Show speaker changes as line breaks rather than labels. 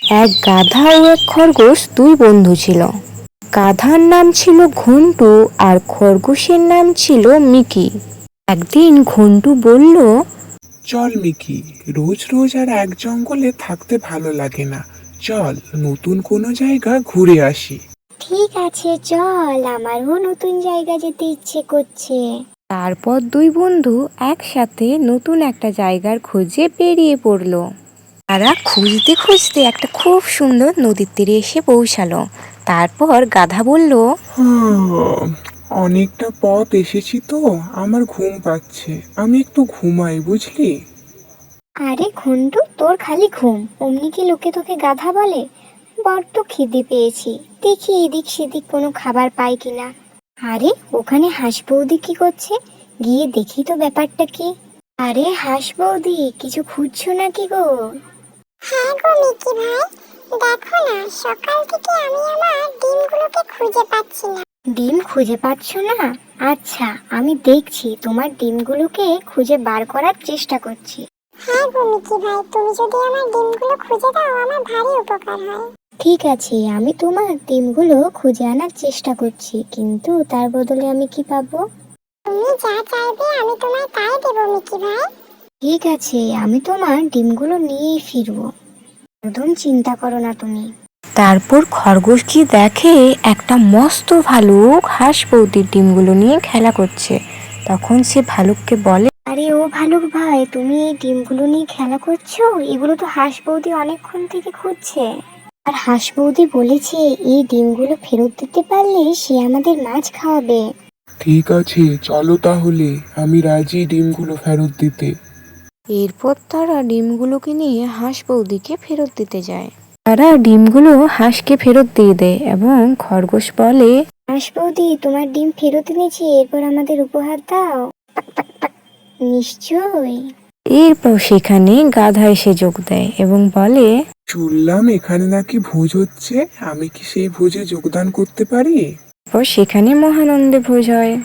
এক গাধা ও এক খরগোশ দুই বন্ধু ছিল। গাধার নাম ছিল ঘন্টু আর খরগোশের নাম ছিল মিকি। একদিন ঘন্টু বলল,
চল মিকি, রোজ রোজ আর এক জঙ্গলে থাকতে ভালো লাগে না। চল নতুন কোনো জায়গা ঘুরে আসি।
ঠিক আছে, চল, আমারও নতুন জায়গা যেতে ইচ্ছে করছে।
তারপর দুই বন্ধু একসাথে নতুন একটা জায়গার খোঁজে বেরিয়ে পড়ল। তারা খুঁজতে খুঁজতে একটা খুব সুন্দর নদীর তীরে এসে পৌঁছালো। তারপর গাধা বলল,
অনেকটা পথ এসেছি তো, আমার ঘুম পাচ্ছে, আমি একটু ঘুমাই, বুঝলি?
আরে ঘন্টু, তোর খালি ঘুম, অমনি কি লোকে তোকে গাধা বলে? বড্ড খিদে পেয়েছি, দেখি এদিক সেদিক কোনো খাবার পাই কিনা। আরে ওখানে হাঁস বৌদি কি করছে? গিয়ে দেখি তো ব্যাপারটা কি। আরে হাঁস বৌদি, কিছু খুঁজছো নাকি গো?
হ্যাঁ গো মিকি ভাই, দেখো না, সকাল থেকে আমি আমার ডিমগুলোকে খুঁজে পাচ্ছি না।
ডিম খুঁজে পাচ্ছ না? আচ্ছা, আমি দেখছি, তোমার ডিমগুলোকে খুঁজে বার করার চেষ্টা করছি।
হ্যাঁ গো মিকি ভাই, তুমি যদি আমার ডিমগুলো খুঁজে দাও আমার ভারী উপকার হয়।
ঠিক আছে, আমি তোমার ডিমগুলো খুঁজে আনার চেষ্টা করছি, কিন্তু তার বদলে আমি কি পাবো?
তুমি যা চাইবে আমি তোমায় তাই দেবো মিকি ভাই।
ঠিক আছে, আমি তোমার ডিমগুলো নিয়েই ফিরবো, একদম চিন্তা করো না তুমি।
তারপর খরগোশ কি দেখে একটা মস্ত ভালুক হাঁস বৌদির ডিমগুলো নিয়ে খেলা করছে। তখন সে ভালুককে বলে,
আরে ও ভালুক ভাই, তুমি এই ডিমগুলো নিয়ে খেলা করছো? এগুলো তো হাঁস বৌদি অনেকক্ষণ থেকে খুঁজছে। আর হাঁস বৌদি বলেছে এই ডিমগুলো ফেরত দিতে পারলে সে আমাদের মাছ খাওয়াবে।
ঠিক আছে, চলো তাহলে, আমি রাজি ডিমগুলো ফেরত দিতে।
এরপর তারা ডিমগুলোকে নিয়ে হাঁস বৌদিকে ফেরত দিতে যায়। তারা ডিমগুলো হাঁসকে ফেরত দিয়ে দেয় এবং খরগোশ বলে,
হাঁস বৌদি, তোমার ডিম ফেরত এনেছি, এরপর আমাদের উপহার দাও। নিশ্চয়ই।
এরপর সেখানে গাধা এসে যোগ দেয় এবং বলে,
শুনলাম এখানে নাকি ভোজ হচ্ছে, আমি কি সেই ভোজে যোগদান করতে পারি?
এরপর সেখানে মহানন্দে ভোজ হয়।